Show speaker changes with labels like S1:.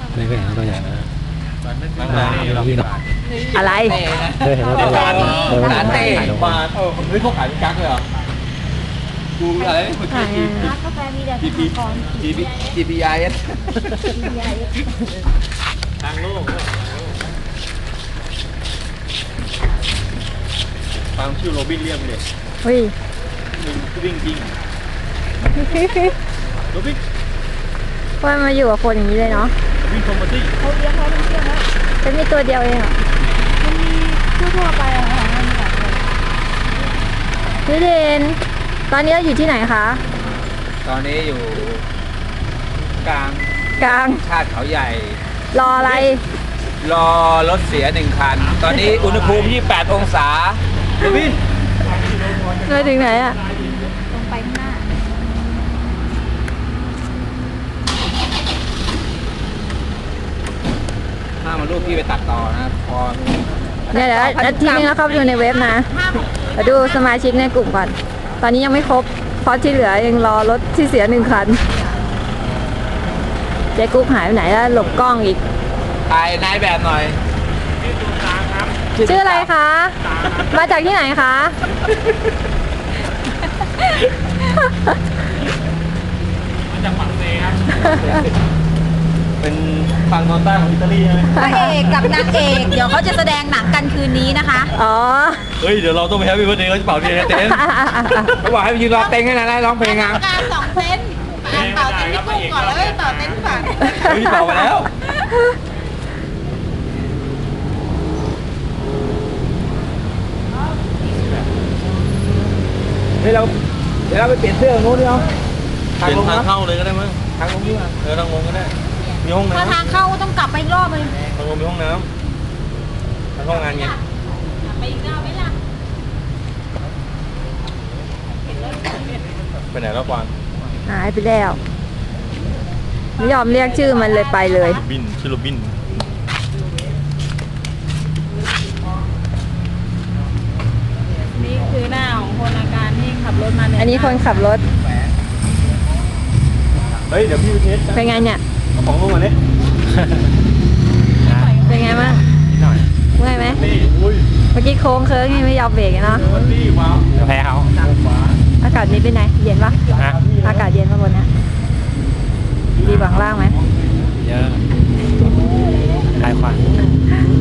S1: ไม่เคยเห็นตัวใหญ่นะ
S2: เราวิ่ง
S3: อะไร
S1: เคยเห็นตัวใหญ่
S2: ร้านเต้มาเฮ้ยเขาขายเป็นกั๊กเลยเหรอกูอะไรนี่คน
S3: ขาย
S4: ร้านกาแฟมีแต่สหกรณ์
S2: GPIS
S1: ทางโลกฟังชื่อโรบินเรียมเลย
S3: เฮ้ย
S1: วิ่งจริงโรบิน
S3: ว่ามาอยู่กับคนอย่างนี้เลยเนาะ
S1: วิ่งคอมมาตี้
S4: เขาเลี้ยงเขาเป็นเชื่องแล้ว
S3: จะมีตัวเดียวเองเหรอ
S4: มันมีทั่วๆไปอะค่ะมันมีหลายตัว
S3: พี่เดนตอนนี้เราอยู่ที่ไหนคะ
S2: ตอนนี้อยู่กลาง
S3: กลาง
S2: ชาติเขาใหญ่
S3: รออะไร
S2: รอรถเสีย1 คัน ตอนนี้อุณหภูมิ 28 องศาโรบิน
S3: เราถึงไหนอะ
S4: ลงไปข้างหน้า
S2: ห้ามมารูปพี่ไปตัดต่อนะพอ
S3: เนี่ยเดี๋ยวอาทีนึงแล้วเข้าไปดูในเว็บนะเดี๋ยวดูสมาชิกในกลุ่มก่อน ตอนนี้ยังไม่ครบ เพราะที่เหลือยังรอรถที่เสีย1 คัน เจ๊กุ๊กหายไปไหนแล้วหลบกล้องอีก
S2: ถ่ายนายแบบหน่อย
S3: ชื่ออะไรคะ มาจากที่ไหนคะ
S1: จากฝั่งเซครับเป็นฝั่งตอนใต้ของอิตาลีใช่ไหม
S4: พระเอกกับนางเอกเดี๋ยวเขาจะแสดงหนังกันคืนนี้นะคะ
S3: อ๋อ
S1: เฮ้ยเดี๋ยวเราต้องไปแฮปปี้เบิร์ดเดย์เขาจะเป่าเทียนเต้น
S2: เขาบอกให้ไปยืนรอเต็งให้นะร้องเพลงอ่ะ
S4: การ2 เซนเป่าเต็นที่กุ้งก่อนแล้วก็เป่าเต็นที่ฝั่ง
S1: เฮ้ยเป่ามาแล้ว
S2: เดี๋ยวเราไปเปลี่ยนเสื้อตรงนู้นดิเนาะ
S1: เป็นทางเข้าเลยก็ได้มั้ง
S2: ทางลงดีกว่า
S1: ทางลงก็ได้มีห้อง
S4: ถ้า
S1: น้ำ
S4: ทางเข้าต้องกลับไปอีกรอบเลย
S1: ทางลงมีห้องน้ำทางห้องงานไง
S4: ไปอีกรอบไหมล่ะ
S1: ไปไหนแล้วกวาง
S3: หายไปแล้ว ไม่ยอมเรียกชื่อมันเลยไปเลย
S1: บินชื่อโรบิน
S4: นี่คือหน้าของคนอาการที่ขับรถมาเนี่ย
S3: อันนี้คนขับรถ
S1: เฮ้ยเดี๋ยวพี่ไปเทส
S3: เป็นไงเนี่ย
S1: เอาของลงมาเนี่ย
S3: เป็นไงบ้าง
S1: นิดหน่อย
S3: เมื่อยไหม
S1: นี่อุ้ย
S3: เมื่อกี้โค้งเคิร์งนี่ไม่ยอมเบรกอะเนาะ
S1: วันนี้ว้าวแพ้เขา
S3: อากาศนี้เป็นไง เย็นปะอากาศเย็นปะบนเนี้ยดีกว่าข้างล่างไหม
S1: เยอะคลายควัน